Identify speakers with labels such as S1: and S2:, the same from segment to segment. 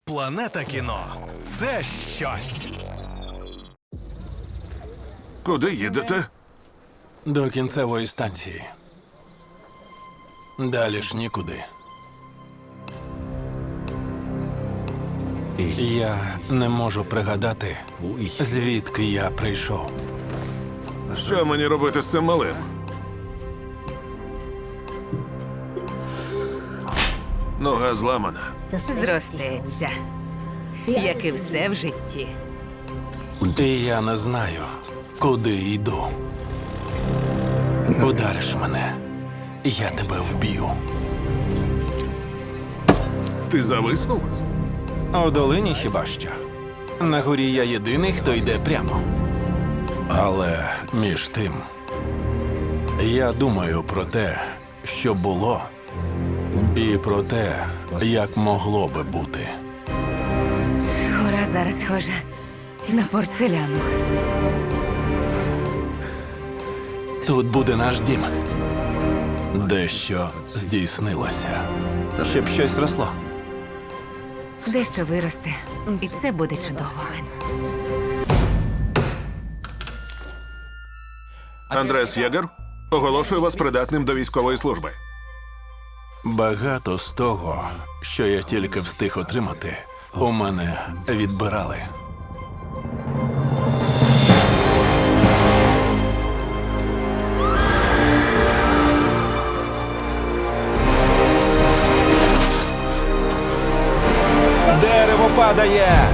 S1: Планета кіно – це щось.
S2: Куди їдете?
S3: До кінцевої станції. Далі ж нікуди. Я не можу пригадати, звідки я прийшов.
S2: Що мені робити з цим малим? Нога зламана.
S4: Зростеться, як і все в житті.
S3: І я не знаю, куди йду. Удариш мене, я тебе вб'ю.
S2: Ти зависнув?
S3: У долині хіба що. На горі я єдиний, хто йде прямо. Але між тим, я думаю про те, що було, і про те, як могло би бути.
S4: Гора зараз схожа на порцеляну.
S3: Тут буде наш дім. Дещо здійснилося. Щоб щось росло.
S4: Дещо виросте, і це буде чудово.
S2: Андрес Єгер, оголошую вас придатним до військової служби.
S3: Багато з того, що я тільки встиг отримати, у мене відбирали. Дерево падає!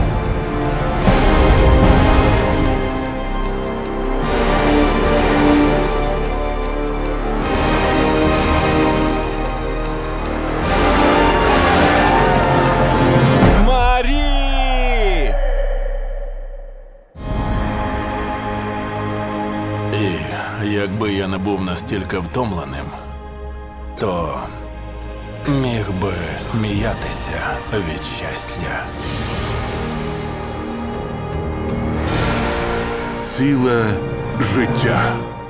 S3: Марі! І якби я не був настільки втомленим, то міг би сміятися від щастя.
S2: Ціле життя.